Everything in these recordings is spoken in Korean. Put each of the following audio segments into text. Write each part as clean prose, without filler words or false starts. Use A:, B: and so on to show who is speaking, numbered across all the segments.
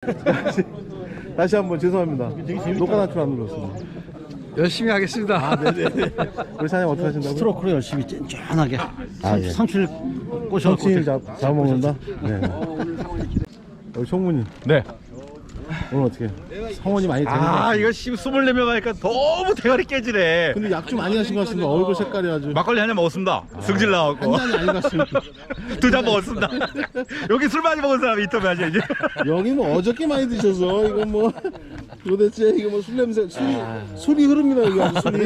A: 다시 한번 죄송합니다. 녹화 단추 안 눌렀습니다.
B: 열심히 하겠습니다.
A: 아, 네네. 우리 사장님 어떻게 하신다고요?
C: 스트로크로 열심히 쫀쫀하게
A: 예.
C: 상추를
A: 정치인
C: 꼬셔갖고
A: 잡아먹는다? 네. 우리 총무님.
D: 네.
A: 오늘 어떻게? 성원이 많이 되는 것
D: 아
A: 같아요.
D: 이거 24명 하니까 너무 대가리 깨지네.
A: 근데 약 좀 많이 하신 것 같습니다. 얼굴 색깔이 아주.
D: 막걸리 한 잔 먹었습니다. 승질 나갖고
A: 한 잔이 아닌 것 같습니다.
D: 2잔 먹었습니다. 여기 술 많이 먹은 사람이 있다며 하지 이제.
A: 여기 뭐 어저께 많이 드셔서 이거 뭐 도대체 이거 뭐 술 냄새 술이 흐릅니다 이거 아주 술이.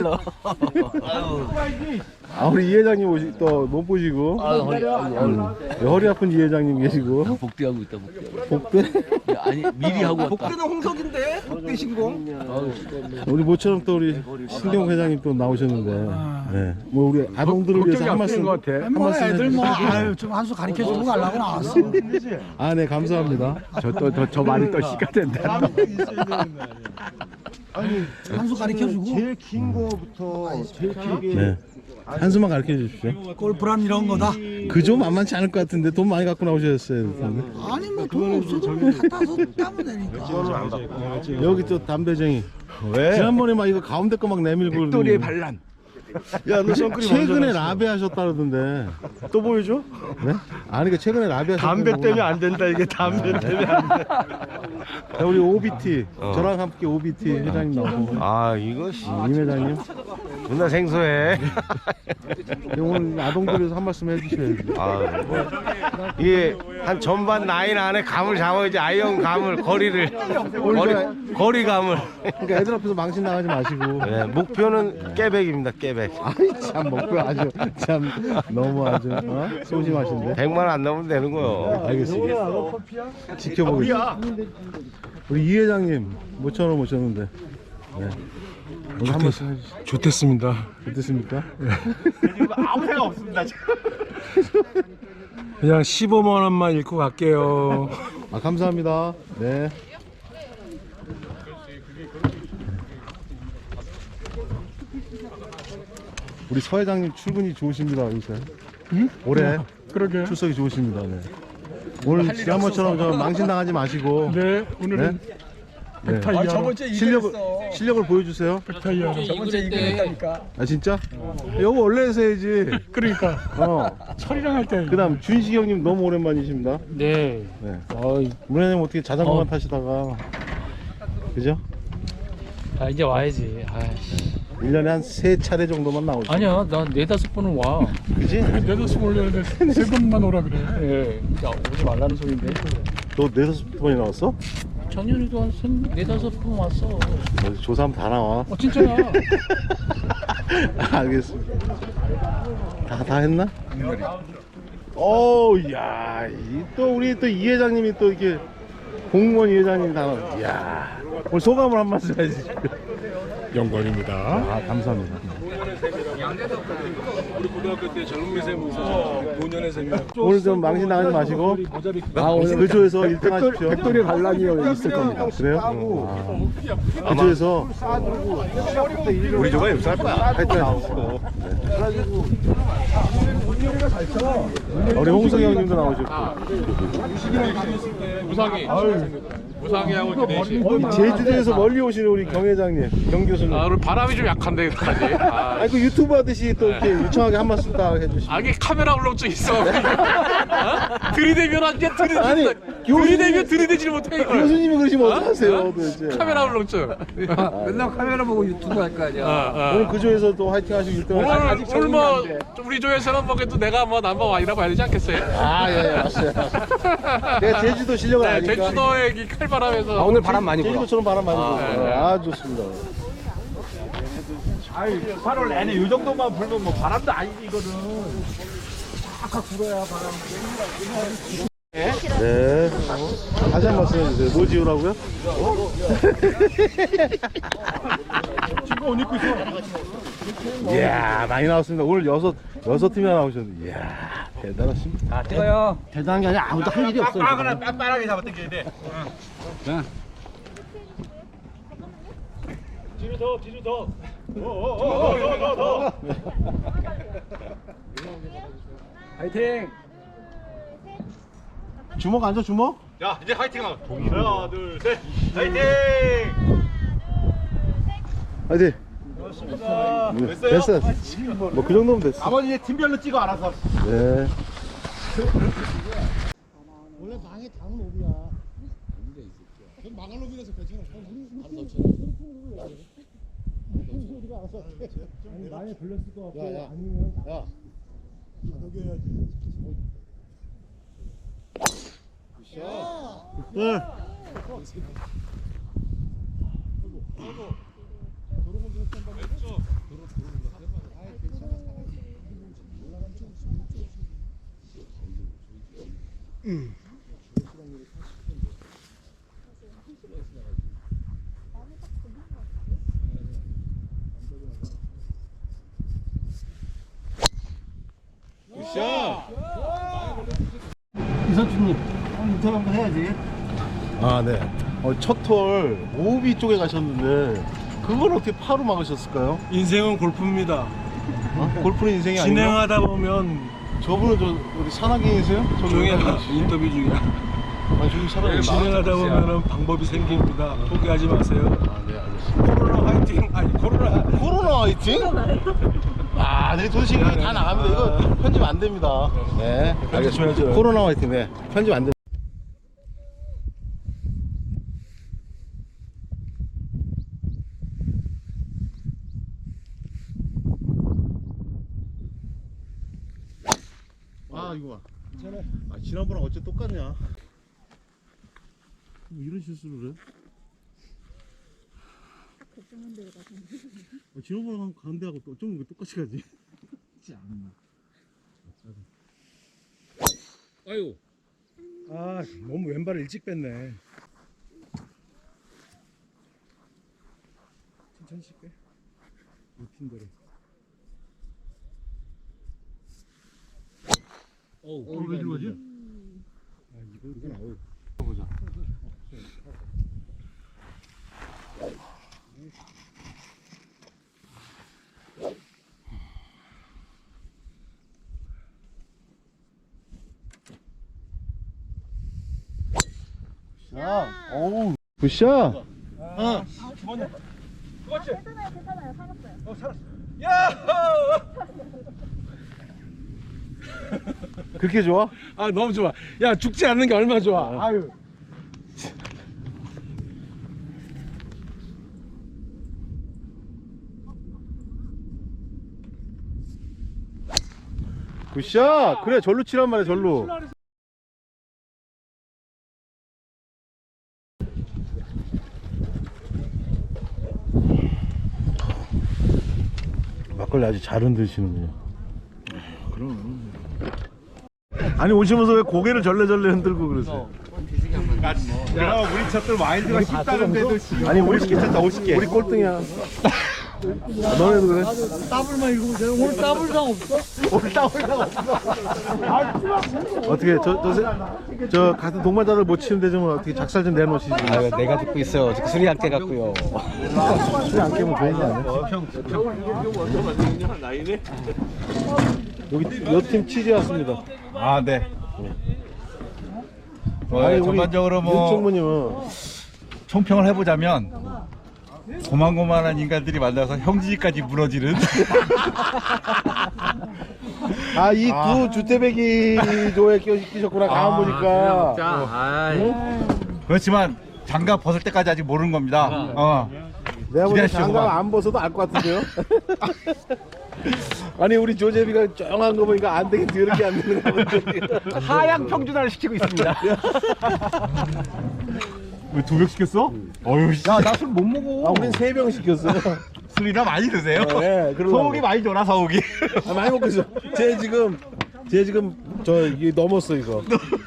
A: 아 우리 이 회장님 또 못 보시고 허리 아픈 이 회장님 계시고
C: 복대하고 있다
A: 복대
C: 아니 미리 하고 왔다.
B: 복대는 홍석인데 복대 신공.
A: 우리 모처럼 또 우리 신경 회장님 또 나오셨는데 네. 뭐 우리 아동들을 위해서 한 말씀 한 말씀
E: 애들 뭐
A: 해주시죠.
E: 아유 좀 한 수 가르쳐주고 가려고 나왔어.
A: 아 네 감사합니다.
D: 저 말이 또 씨가 된다.
E: 한 수 가르쳐주고
F: 제일 긴 거부터 제일 길게
A: 네. 한수만 가르쳐 주십시오.
E: 골프란 이런 거다.
A: 그저 만만치 않을 것 같은데 돈 많이 갖고 나오셨어요.
E: 아니 뭐 돈 없어도 갖다서 따면 되니까.
A: 여기 또 담배쟁이.
D: 왜?
A: 지난번에 막 이거 가운데 거 막 내밀고.
D: 백돌이의 반란. 야너 선크림
A: 최근에 라베 하셨다 그러던데.
D: 또 보여줘?
A: 네? 아니 그 최근에 라베 하셨다.
D: 담배 때문에 안 된다 이게 담배 때문에 안 돼.
A: 우리 OBT 저랑 함께 OBT 회장님 나오고.
D: 아 이거
A: 임 회장님.
D: 존나 생소해.
A: 오늘 아동들에서 한 말씀 해주셔야지.
D: 아, 이게 한 전반 라인 안에 감을 잡아야지 아이언 감을 거리를 거리감을.
A: 그러니까 애들 앞에서 망신 나가지 마시고.
D: 네, 목표는 깨백입니다. 깨백.
A: 아이 참 목표 아주 참 너무 아주 소심하신데.
D: 100만 원 안 넘으면 되는 거요.
A: 알겠습니다. 지켜보겠습니다. 우리 이 회장님 모처럼 오셨는데. 네. 오늘 한 말씀 해주시죠.
B: 좋겠습니다.
A: 어떻습니까?
D: 아무 생각 없습니다.
B: 그냥 15만 원만 잃고 갈게요.
A: 아 감사합니다. 네. 우리 서 회장님 출근이 좋으십니다 요새.
E: 응?
A: 올해
E: 그러게.
A: 출석이 좋으십니다. 네. 오늘 지난번처럼 저 망신 당하지 마시고.
E: 네 오늘은
A: 네.
E: 백타이어.
A: 실력을 보여주세요.
E: 백타이어.
B: 저번주에 이겼다니까.
A: 아 진짜? 여보 원래 해서야지.
E: 그러니까 철이랑 할 때.
A: 그다음 준식이 형님 너무 오랜만이십니다.
B: 네.
A: 네. 문혜님 어떻게 자전거만 타시다가 그죠?
G: 아 이제 와야지. 아이씨.
A: 1년에 한 3차례 정도만 나오죠.
G: 아니야 나 4-5번은 와.
A: 그지?
E: 내다섯 올렸는데 세 번만 오라 그래.
G: 예. 야, 오지 말라는 소린데.
A: 너 4-5번이 나왔어?
G: 작년에도 한 4-5번 왔어.
A: 어디 조사하면 다 나와.
G: 진짜야.
A: 알겠습니다. 다 했나? 어우, 야, 또 우리 또 이 회장님이 또 이렇게 공무원 이 회장님이 다 나와. 이야, 오늘 소감을 한 말씀 해주시죠.
E: 영광입니다.
A: 아, 감사합니다.
B: 우리 고등학교 때 젊은 세무사, 노년의 세무.
A: 오늘 좀 망신 나가지 마시고, 오늘 그 조에서 1등 하십시오.
F: 백돌이 반란이 있을 겁니다.
A: 그래요? 그 조에서
D: 우리 조가 흡수할 거야.
A: 하여튼 하십시오. 우리 홍석이 형님도 나오셨고.
B: 무상이하고 이렇게 넷이.
A: 제주도에서 멀리 오시는 우리 경 회장님, 경 교수님.
H: 아, 오늘 바람이 좀 약한데 여기까지. 아,
A: 아니 그 유튜브 하듯이 또 이렇게 유창하게 한 말씀 딱 해주시고.
H: 이게 카메라 울렁증 있어. 어? 들이대면 안 돼.
A: 아니,
H: 들이대면 들이대질 못해 이걸.
A: 교수님이 그러시면 어떡하세요 도대체.
H: 카메라 울렁증.
B: 맨날 카메라 보고 유튜브 할 거 아니야.
A: 오늘 그 조에서 또 화이팅 하시고 1등
H: 오늘
A: 하시고.
H: 오늘 뭐 우리 조에서는 뭐 그래도 내가 뭐 넘버 원이라 봐야 되지 않겠어요?
A: 예, 알았어요. 내가 제주도 실력을
H: 네,
A: 아니까.
H: 제주도의 이 칼바람에서
D: 오늘 바람 많이 불어.
A: 제주도처럼 바람 많이 불어요. 아, 좋습니다.
D: 8월 내내 이 정도만 불면 뭐 바람도 아니지 이거는.
A: 네. 다시 한 말씀 해주세요. 뭐 지우라고요?
E: 지금 옷 입고 있어.
A: 이야, 많이 나왔습니다. 오늘 여섯 팀이나 나오셨는데. 이야, 대단하십니다.
B: 찍어요.
C: 대단한 게 아니라 아무도 할 일이 없어요.
D: 빳빳하게 잡아 당겨야 돼.
B: 뒤로 더.
E: 파이팅.
A: 주먹 앉아, 주먹?
H: 자 이제 화이팅 하나. 하나 둘 셋. 화이팅.
A: 화이팅. 됐어. 뭐 그 정도면 됐어.
H: 아버지 팀별로 찍어 알아서.
A: 네.
E: 원래 망에 닿은 놈이야. 망할 놈이라서 괜찮아. 우리가 알아서 아니 많이 걸렸을 것 같고 아니면 녹여야지.
A: 네.
E: 이선주님 인터뷰 한번 해야지.
A: 아, 네. 첫톨 오비 쪽에 가셨는데 그걸 어떻게 파로 막으셨을까요?
B: 인생은 골프입니다.
A: 골프는 인생이 아니에요?
B: 진행하다 보면
A: 저분은 저 어디 산악인이세요?
B: 조용히 하다 인터뷰 중이야.
A: 아니 저기 산악인.
B: 진행하다 보면 방법이 생깁니다. 포기하지 마세요.
A: 아, 네, 알겠습니다.
B: 코로나 화이팅. 아니
A: 코로나 화이팅? 아, 네, 도시 다 나갑니다. 이거 편집 안 됩니다. 네, 알겠습니다. 코로나 화이팅, 네, 편집 안 됩니다. 아, 이거 봐. 아, 지난번랑 어째 똑같냐? 뭐 이런 실수를 해? 지난번랑 가는 데하고 또 어쩜 이거 똑같이 가지?
G: 아유.
A: 아, 너무 왼발을 일찍 뺐네. 천천히 뺄. 루틴대로. 왜 들어가지? 아, 이건 아웃. 보자. 굿샷. 어우. 굿샷.
I: 괜찮아요. 살았어요.
A: 그렇게 좋아?
B: 아 너무 좋아. 야 죽지 않는 게 얼마나 좋아. 아유.
A: 굿샷. 그래, 절로 치란 말이야, 절로. 막걸리 아주 잘 흔드시는군요. 그럼. 아니, 오시면서 왜 고개를 절레절레 흔들고 그러세요?
H: 야 우리 쳤던 와일드가 쉽다는데도
A: 아니, 우리
H: 50개 쳤다 50개.
A: 우리 꼴등이야. 너네도 그래?
E: 더블만 읽으면 오늘 더블상 없어?
A: 오늘 따올라가 없어. 어떻게 저 같은 동반자들 못 치는데 좀 어떻게 작살 좀 내놓으시지.
D: 아유, 내가 듣고 있어요. 술이 안 깨갖고요.
A: 술이 안 깨면 되는 거 아니야? 여기 여팀 치즈 왔습니다.
H: 아 네.
A: 아니, 우리
H: 전반적으로 뭐
A: 윤총무님은
H: 총평을 해보자면 고만고만한 인간들이 만나서 형제까지 무너지는.
A: 아, 이 두 주태배기 조에 끼셨구나. 가만 보니까.
H: 그렇지만 장갑 벗을 때까지 아직 모르는 겁니다.
A: 내가 보기엔
H: 기대하시죠,
A: 장갑
H: 그만.
A: 안 벗어도 알 것 같은데요? 아니, 우리 조재비가 쩡한 거 보니까 안 되긴 더럽게 안 되는 거 같은데.
D: 하향 평준화를 시키고 있습니다.
H: 왜 2병 시켰어? 어휴 씨.
D: 야, 나 술 못 먹어.
A: 아, 우린 3병 시켰어요.
H: 술이나 많이 드세요?
A: 네, 그러려고.
H: 소고기 많이 줘라 소고기.
A: 아, 많이 먹고 있어. 쟤 지금 이게 넘었어, 이거.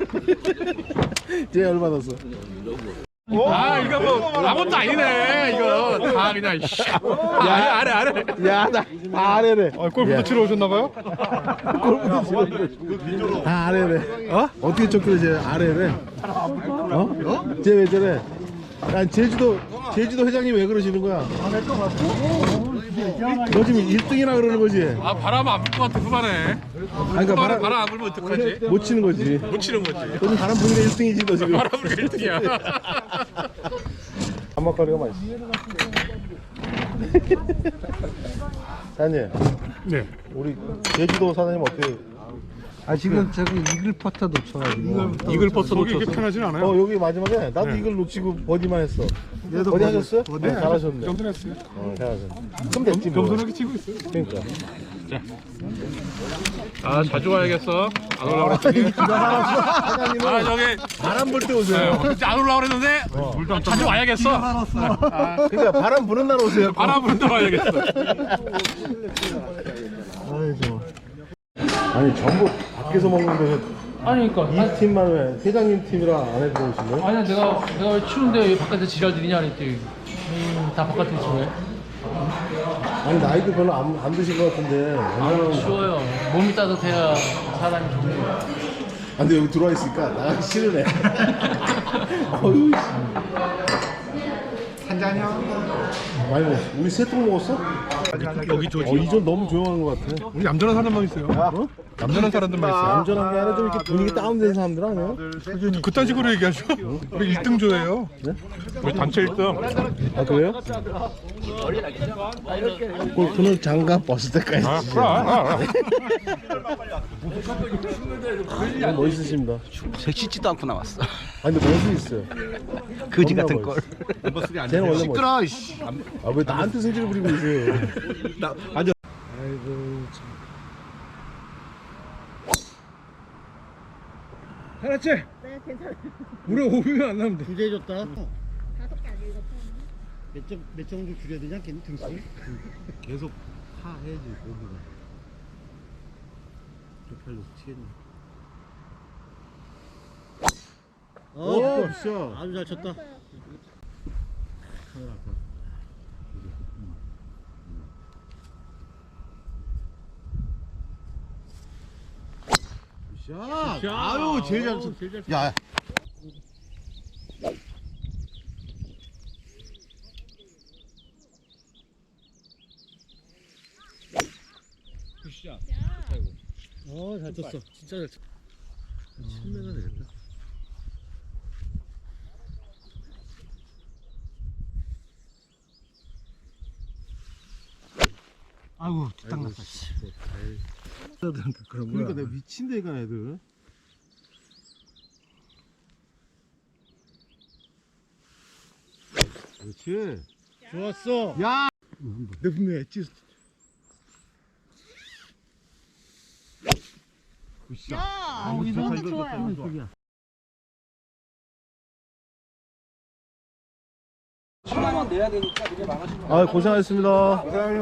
A: 쟤 얼마 넣었어?
B: 아 이거 뭐 아무것도 아니네. 이거 다 그냥. 야 아래.
A: 야, 나 아래래.
H: 골프도 치러 오셨나봐요?
A: 골프도 치러. 다 아래래. 어떻게 쫓기래, 쟤 아래래. 쟤 왜 저래? 야, 제주도 회장님 왜 그러시는 거야? 너 지금 1등이나 그러는 거지?
B: 아 바람 안 불 것 같아 그만해.
A: 아니, 그러니까
B: 바람 안 불면 어떡하지?
A: 못 치는 거지.
B: 못 치는 거지.
A: 너는 바람 부니까 1등이지 너 지금.
B: 바람 불면 1등이야.
A: 한막거리가 맛있어. 사장님.
B: 네.
A: 우리 제주도 사장님 어때요?
E: 아 지금 저기 이글 퍼터 놓쳐가지고
B: 이글 버터 놓쳐서 이게 편하진 않아요.
A: 여기 마지막에 나도 이걸 놓치고 버디만 했어.
E: 얘도
A: 버디 하셨어요?
E: 버디.
A: 네, 잘하셨네.
B: 겸손했어요.
A: 잘하셨네. 그럼 됐지 뭐.
B: 겸손하게 치고 있어요.
A: 그러니까.
B: 아 자주 와야겠어. 안 올라오라 그랬더니.
A: 사장님은
B: 아 저기
A: 바람 불 때 오세요.
B: 안 올라오라 그랬는데 자주 와야겠어.
A: 그러니까 바람 부는 날 오세요.
B: 바람 부는데 와야겠어.
A: 아이고. 아니 전부 밖에서 먹는데
G: 아니 그러니까
A: 이 팀만 왜 회장님 팀이랑 안에 들어오시네?
G: 아니야 내가 왜 추운데 왜 바깥에 지랄 들이냐 했더니 다 바깥에 있지 왜?
A: 아니 나이도 별로 안 드신 것 같은데.
G: 추워요. 몸이 따뜻해야 사람이 좋은 거야.
A: 아, 근데 여기 들어와 있으니까 나가기 싫으네. 어휴. 한 잔이요? 많이 먹었어. 우리 세 통 먹었어?
B: 여기 저
A: 이전 너무 조용한 것 같아.
B: 우리 얌전한 사람만 있어요.
A: 어?
B: 얌전한 사람들만 있어요.
A: 얌전한 게 아니라 좀 이렇게 분위기 다운된 사람들 아니에요?
B: 그딴 식으로 얘기하죠. 우리 1등 조예요.
A: 네?
B: 우리 단체 1등.
A: 아 그래요? 골프는 장갑 벗을 때까지. 멋있으십니다.
C: 섹시지도 않고 나왔어.
A: 아 근데 멋이 있어요.
C: 거지
A: 겁나
C: 같은
A: 멋있어.
C: 걸.
A: 쟤는 원래 시끄러. 아왜 나한테 승질을 부리고 있어요?
E: 아이고
I: 네, 괜찮아요.
E: 우리 500원 안 나면 돼.
C: 부재해줬다.
I: 5개 안 읽었죠?
C: 몇 정도 줄여야 되지 않겠니 등수?
A: 계속 파 해야지 골프가. 쪽팔려 치겠네. 오, 굿샷.
C: 아주 잘 쳤다.
A: 샷. 아유, 제일 잘 쳤. 야.
C: 잘 쳤어. 진짜 잘 쳤어. 7m 되겠다.
E: 아이고 딱 났다. 그런 거야.
A: 그러니까 내가 미친 데가 애들. 그렇지.
C: 좋았어.
A: 야. 내 분명히 했지. 굿샷.
I: 너무 좋아요.
A: 아 고생하셨습니다.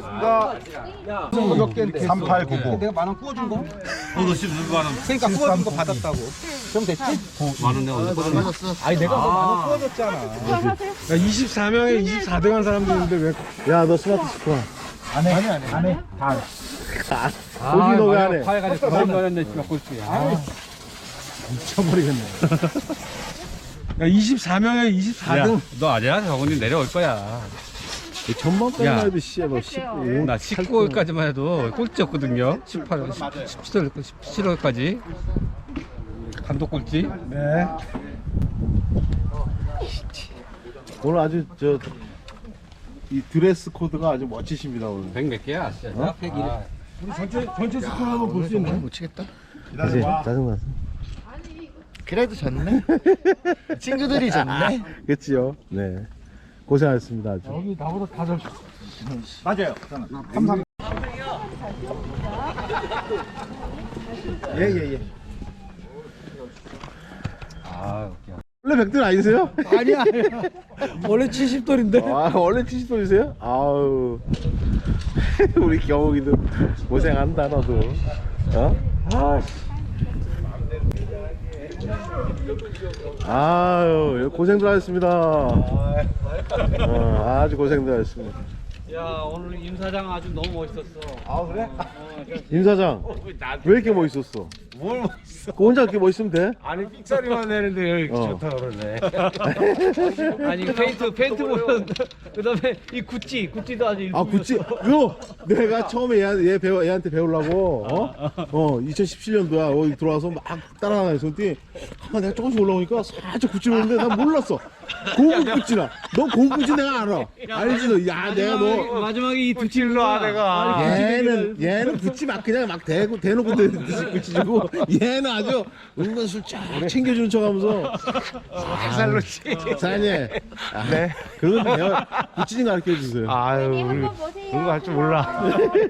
F: 몇 개인데? 3899.
E: 내가 만원 구워준 거?
B: 너도 지금 누구 하는?
E: 그러니까 구워준 거 받았다고. 그럼 됐지?
B: 많은 내가 언제
E: 아니 내가 너 만원 구워줬잖아. 야 24명에 24등 한 사람도 있는데 왜?
A: 야 너 스마트 스코어.
E: 안 해. 다.
A: 고기 너왜 안 해?
E: 파해가지고 그만 넣었네 지금 꼴찌.
A: 미쳐버리겠네.
E: 야 24명에 24등.
B: 너 아니야? 저분이 내려올 거야.
A: 전반까지만 해도 씨야 너 15.
B: 나 19월까지만 해도 꼴찌였거든요. 18월, 17월까지 단독 꼴찌.
E: 네.
A: 오늘 아주 이 드레스 코드가 아주 멋지십니다 오늘.
B: 100몇 개야?
A: 우리 전체 스코어 한번 볼 수 있나요? 못 치겠다. 그치 짜증났어.
C: 그래도 졌네. 친구들이 졌네.
A: 그치요. 네. 고생하셨습니다 아주.
E: 여기 나보다 다 잘.
F: 맞아요.
A: 예예예. 원래 100돌 아니세요?
E: 아니야. 원래 70돌인데.
A: 아 원래 70돌이세요? 아우 우리 경욱이도 고생한다 너도. 어? 아유 고생들 하셨습니다. 아주 고생들 하셨습니다.
C: 야 오늘 임 사장 아주 너무 멋있었어.
A: 임 사장 왜 이렇게 멋있었어?
D: 뭘 멋있어.
A: 그 혼자 이렇게 멋있으면 돼.
D: 아니 삑사리만 내는데 여기
A: 어.
D: 좋다 그러네.
C: 아니 페인트 보면 그다음에 이 구찌도 아주
A: 아 구찌 요 내가 처음에 얘한테 배우려고 2017년도야 들어와서 막 따라다녔어. 그랬더니 내가 조금씩 올라오니까 살짝 구찌를 했는데 난 몰랐어. 고급 구찌라. 너 고급 구찌 내가 알아. 알지 너. 야 내가 너
C: 마지막에 이
D: 구찌로 아 내가.
A: 얘는 구찌 막 그냥 막 대놓고 구찌 주고 얘는 아주 은근 술쫙 챙겨주는 척하면서
D: 살로 치.
A: 사장님
D: 네.
A: 그런 거 배워 구찌 좀 가르쳐 주세요.
D: 아유 우리
I: 한번 보세요.
D: 그런 거 할 줄 몰라.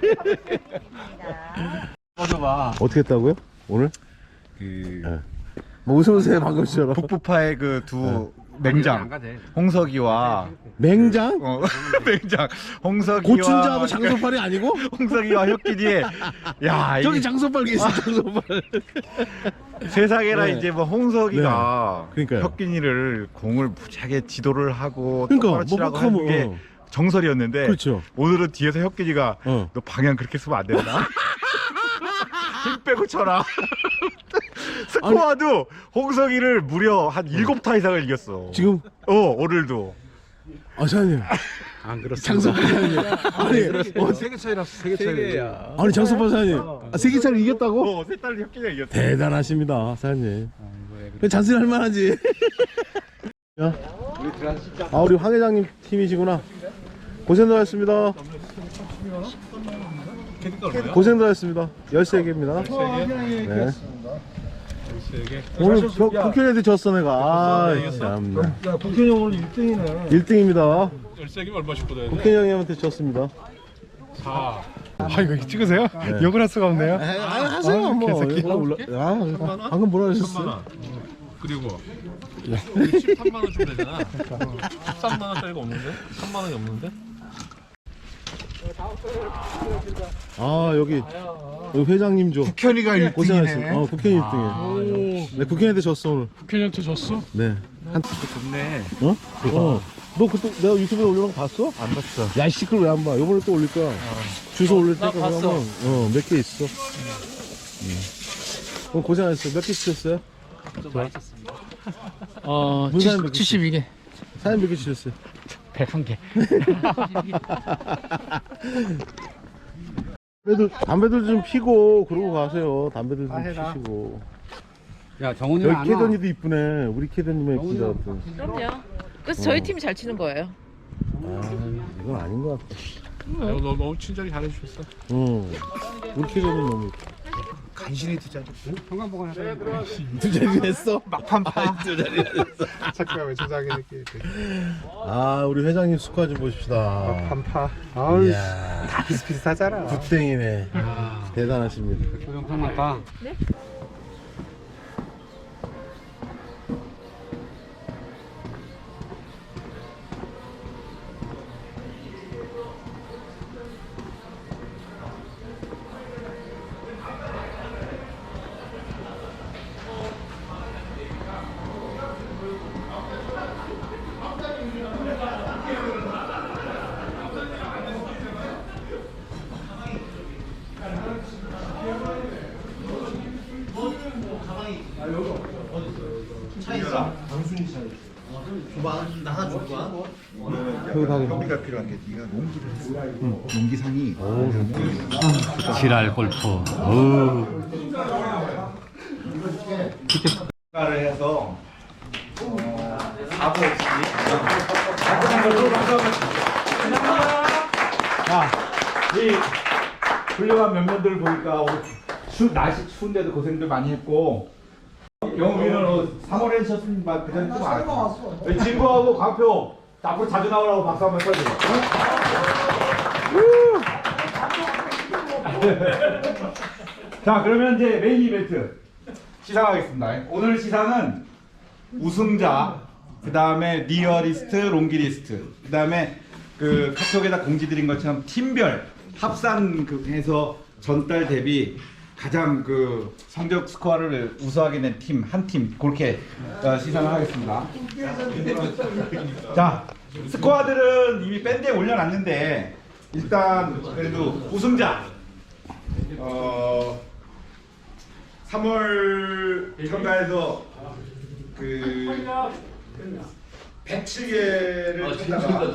A: 어떻게 했다고요 오늘?
F: 그
A: 뭐 웃으면서 방금처럼
F: 북부파의 그 두 맹장 홍석이와
A: 맹장?
F: 맹장 홍석이와
A: 고춘자하고 장소팔이 아니고?
F: 홍석이와 혁기디의 야
A: 저기
F: 이게
A: 장소팔 있어 장소팔.
F: 세상에나
A: 네.
F: 이제 뭐 홍석이가
A: 네. 그러니까요.
F: 혁기니를 공을 무지하게 지도를 하고
A: 그러니까
F: 똑바로 치라고
A: 뭐
F: 하는 게
A: 하면,
F: 정설이었는데
A: 그렇죠.
F: 오늘은 뒤에서 혁기니가
A: 어.
F: 너 방향 그렇게 쓰면 안 된다. 힘 빼고 쳐라. 스코어도 홍석이를 무려 한 7타 이상을 이겼어.
A: 지금
F: 오늘도.
A: 아 사장님
E: 안 그렇습니다.
A: 장소팔 사장님 아니
E: 세개 차이라서 세개 차이야.
A: 아니 장소팔 사장님 세계 차를 이겼다고?
F: 세 달을 혁기니가 이겼어.
A: 대단하십니다 사장님. 그냥 잔소리 할 만하지. 야. 아 우리 황 회장님 팀이시구나. 고생들 하셨습니다. 고생들 하셨습니다. 13개입니다. 13개? 네. 오늘 국회의원한테 졌어 내가. 아 참나.
E: 야 국현이 오늘 1등이네.
A: 1등입니다.
B: 13개 얼마씩 걷어야 돼?
A: 국회의원한테 졌습니다.
B: 사.
F: 아 이거 찍으세요?
A: 네.
F: 욕을 할 수가 없네요.
A: 하세요 뭐. 방금 뭐라 하셨어요?
B: 그리고 13만 원 주면 되잖아. 13만 원짜리가 없는데? 3만 원이 없는데?
A: 아 여기 회장님 줘.
F: 국현이가
A: 고생하셨어요. 국회의원 1등이에요. 네 국회의원한테 졌어 오늘.
B: 국회의원한테 줬어?
A: 네.
F: 좋네.
A: 너 그때 내가 유튜브에 올려놓은 거 봤어?
F: 안 봤어.
A: 야, 이 시끌 왜 안 봐? 요번에 또 올릴 거야. 주소 올릴 테니까
C: 봤어.
A: 그러면 몇 개 있어. 오늘 고생하셨어요. 몇 개 치셨어요?
G: 좀 맛있었습니다.
A: 문사님 몇 개?
G: 72개.
A: 사장님 몇 개 치셨어요?
G: 101개.
A: 담배들 좀 피고 그러고 가세요. 담배들 좀 피시고.
E: 야 정훈이
A: 여기 캐더니도 이쁘네. 우리 캐더님의 예쁘다.
J: 그럼요. 그래서 저희 팀이 잘 치는 거예요.
A: 아, 이건 아닌 것 같아.
B: 너 너무 친절히 잘해주셨어.
A: 우리 캐더님 너무 예뻐.
F: 간신히 두 자리.
A: 두 자리 했어?
F: 막판파.
A: 두 자리 했어.
F: 잠깐 왜 조작이 이렇게.
A: 아, 우리 회장님 스코어 좀 보십시다.
F: 판파. 아우
A: 이야,
F: 다 비슷비슷하잖아.
A: 굿땡이네. 대단하십니다.
E: 조정상만 가.
F: 협의가 필요한 게 네가 농기를 했어. 농기상이.
G: 지랄 골프.
F: 를 해서 4부 없이. 자, 이 훌륭한 면면들을 보니까 오늘 날씨 추운데도 고생들 많이 했고. 영웅이는 3월에 하셨으니까 그전에 좀 알았어. 진구하고 광표 앞으로 자주 나오라고 박수 한번 쳐주세요. 자, 그러면 이제 메인 이벤트 시상하겠습니다. 오늘 시상은 우승자, 그 다음에 리어리스트, 롱기리스트, 그 다음에 그 카톡에다 공지 드린 것처럼 팀별 합산 해서 전달 대비 가장 그 성적 스코어를 우수하게 낸 팀, 한 팀, 그렇게 시상을 하겠습니다. 자, 스코어들은 이미 밴드에 올려놨는데, 일단, 그래도 우승자, 3월 참가해서 그 107개를 쳤다가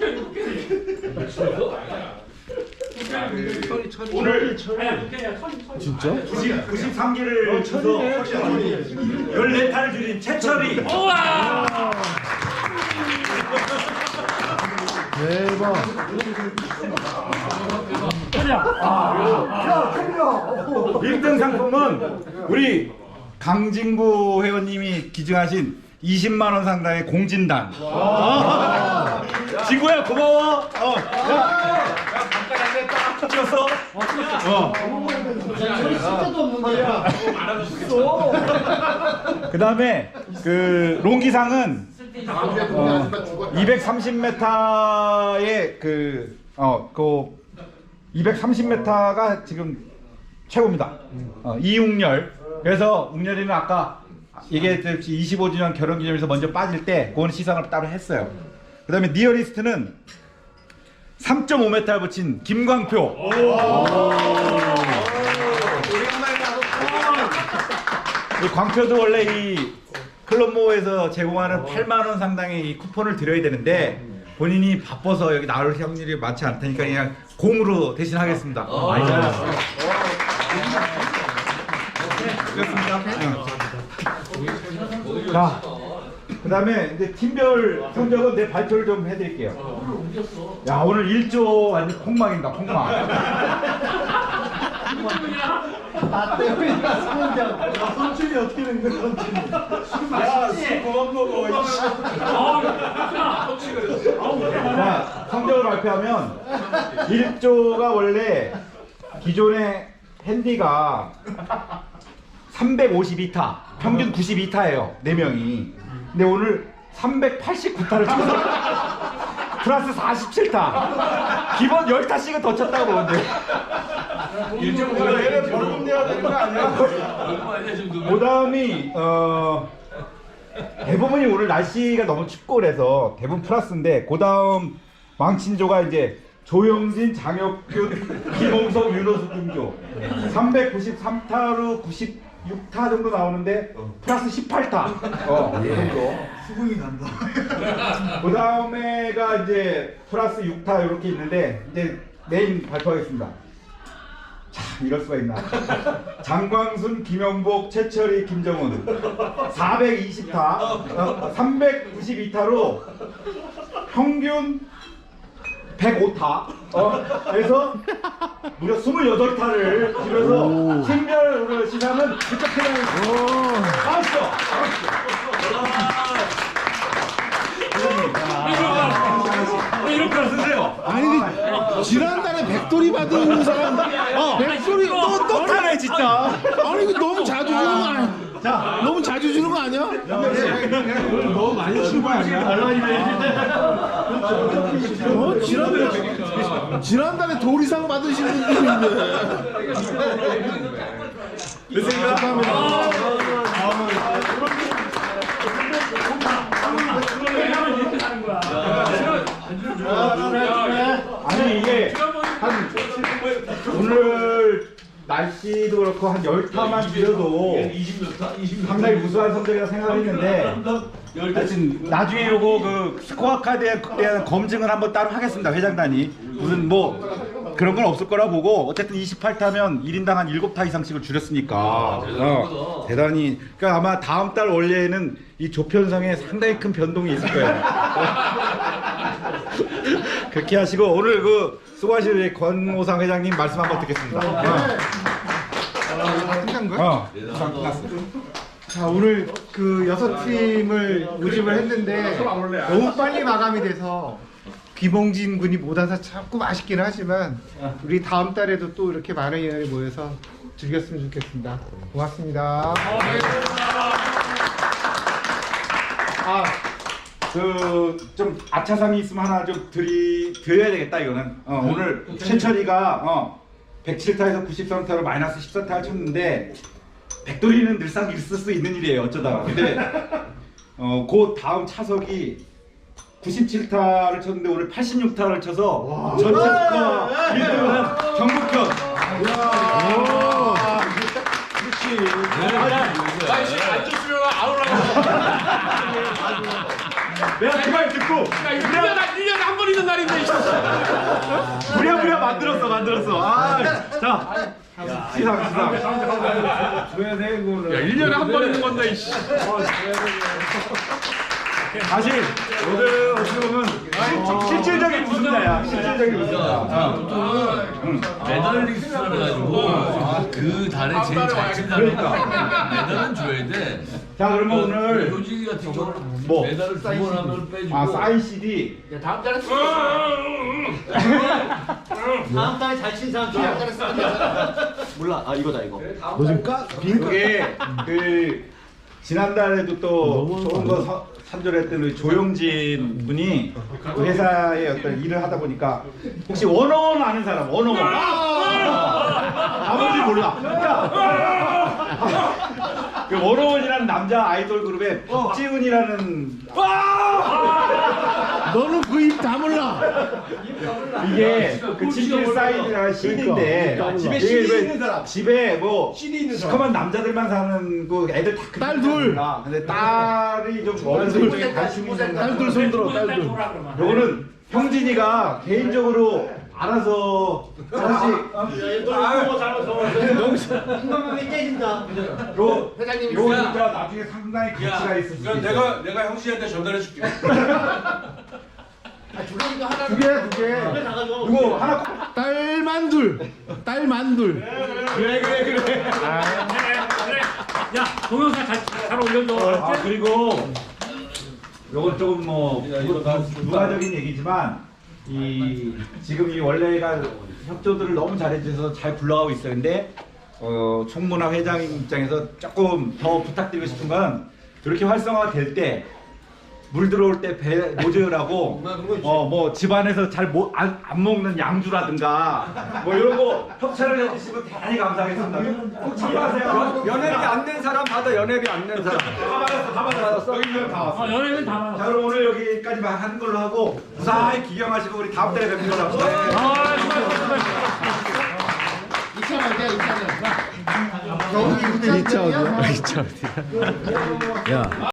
F: 오늘
A: 진짜?
F: 93개를 쳐서 14타를 줄인 최철이.
A: 대박.
F: 1등 상품은 우리 강진구 회원님이 기증하신 20만 원 상당의 공진단. 진구야 고마워. 찍었어? 그 다음에 그 롱기상은 230m의 그 230m가 지금 최고입니다. 이웅열. 그래서 웅열이는 아까 얘기했듯이 25주년 결혼기념에서 먼저 빠질 때 그거는 시상을 따로 했어요. 그 다음에 니어리스트는 3.5m를 붙인 김광표. 이 광표도 원래 이 클럽모에서 제공하는 8만 원 상당의 이 쿠폰을 드려야 되는데 본인이 바빠서 여기 나올 확률이 많지 않다니까 그냥 공으로 대신하겠습니다. 많이 잘했어요. 그렇습니다. 자, 그 다음에 이제 팀별 성적은 내 발표를 좀 해드릴게요. 야, 오늘 1조 완전 폭망입니다. 폭망.
A: 나 때문이야, 성훈장. 선출이 어떻게 된 거야, 선출이. 야, 술 그만 먹어, 이씨.
F: 자, 성적을 발표하면 1조가 원래 기존의 핸디가 352타, 평균 92타예요. 4명이. 근데 오늘 389타를 쳤어. 플러스 47타. 기본 10타씩은 더 쳤다고 보는데. 얘는 벌금 내야 되는 거 아니야? 그 다음이 대부분이 오늘 날씨가 너무 춥고 그래서 대부분 플러스인데 그 다음 망친조가 이제 조영진, 장혁균, 김홍석, 윤호수 등조 393타로 96타 정도 나오는데 플러스 18타 정도.
A: 수긍이 난다.
F: 그 다음에가 이제 플러스 6타 이렇게 있는데 이제 메인 발표하겠습니다. 자, 이럴 수가 있나. 장광순, 김영복, 최철희, 김정훈 420타 392타로 평균 105타 그래서 무려 28타를 집에서 팀별 시상은 그쪽 팀장이 아시죠? 이렇게 쓰세요.
A: 아니, 지난달에 백돌이 받은 사람, 백돌이 또 타네, 진짜. 아니, 이거 너무 자주 주는 거 아니야? 자, 너무 자주 주는 거 아니야?
E: 너무 많이 친 거 아니야?
A: 지난달에 도리상 받으신 분들이 있는데.
F: 아니 이게 한 오늘 날씨도 그렇고 한 10타만 줄여도 상당히 우수한 성적이라 생각했는데 하여튼 나중에 요거 그 스코어 카드에 대한 검증을 한번 따로 하겠습니다. 회장단이 무슨 뭐 그런 건 없을 거라 보고 어쨌든 28타면 1인당 한 7타 이상씩을 줄였으니까 대단히 그러니까 아마 다음 달 원래는 이 조편성에 상당히 큰 변동이 있을 거예요. 그렇게 하시고 오늘 그 수고하신 우리 권오상 회장님 말씀 한번 듣겠습니다.
E: 끝난 거야?
F: 끝났어.
E: 자, 오늘 그 6팀을 모집을 했는데 너무 빨리 마감이 돼서 귀봉진 군이 못 와서 자꾸 아쉽긴 하지만 우리 다음 달에도 또 이렇게 많은 인원이 모여서 즐겼으면 좋겠습니다. 고맙습니다.
F: 그 좀 아차상이 있으면 하나 좀 드려야 되겠다 이거는. 오늘 최철이가 107타에서 93타로 마이너스 14타를 쳤는데 백돌이는 늘상 있을 수 있는 일이에요 어쩌다가. 근데 그 다음 차석이 97타를 쳤는데 오늘 86타를 쳐서 전체 스코어 1등을 한 정국현.
H: 아이씨 안 줬으면 아우라고.
F: 내가 그 말 듣고
H: 야 이거 1년에 한 번 있는 날인데.
F: 부랴부랴 만들었어. 자 시상.
D: 줘야 돼 그거는.
H: 야 1년에 한 번 있는 건데. 이씨.
F: 사실 오늘 어떻게 보면 실질적인 우승자야. 실질적인 우승자.
B: 메달리스트라 가지고 그 달에 제일 잘 친 사람이니까 메달은 줘야 돼.
F: 자 그러면 오늘
B: 효진이 같은 경우는
F: 뭐?
B: 메달을 2번 하면 빼주고.
F: 사인 CD.
G: 다음 달에
C: 다음 달에 잘 친 사람 다음 달에 쓰면 되잖아.
A: 몰라. 아 이거다 이거. 너 지금
F: 그게 그 지난달에도 또 좋은 거 산조했던 우리 조용진 분이 그 회사에 어떤 일을 하다 보니까 혹시 원어원 아는 사람? 원어원. 아버지 몰라. 그 원어원이라는 남자 아이돌 그룹의 박지훈이라는
A: 너는 그 입 다 몰라.
F: 이게 그 친필 사인이라는 CD인데 집에 CD 있는 사람 집에 뭐 CD 있는 사람 시커먼 남자들만 사는 그 애들 다
A: 딸 둘.
F: 근데 딸이 좀 어린 쪽에 관심이 있는
A: 딸들 손들어 딸들.
F: 요거는 형진이가 개인적으로 알아서 하나씩
C: 한번만 깨진다.
F: 요 진짜 나중에 상당히 가치가 있을 수 있어.
H: 내가 형씨한테 전달해 줄게.
F: 두 개. 이거 하나
A: 딸만 둘. 딸만 둘.
G: 야 동영상 잘 올려줘.
F: 그리고 요건 조금 뭐 부가적인 얘기지만 이 지금 이 원래가 협조들을 너무 잘해주셔서 잘 굴러가고 있어요. 근데 총무나 회장님 입장에서 조금 더 부탁드리고 싶은 건 이렇게 활성화가 될 때 물 들어올 때 배 모자라고 뭐 집안에서 잘 안 먹는 양주라든가 뭐 이런 거 협찬을 해주시면 대단히 감사하겠습니다. 꼭 참고하세요.
D: 연예비 안 낸 사람 받아. 연예비 안 낸 사람.
F: 다 받았어. 여기 다 왔어.
G: 연예인 다 받았어.
F: 자 그럼 오늘 여기까지만 하는 걸로 하고 무사히 기경하시고 우리 다음 달에 뵙는 걸로 합시다.
A: 이차 어디야? 이차 어디야? 야.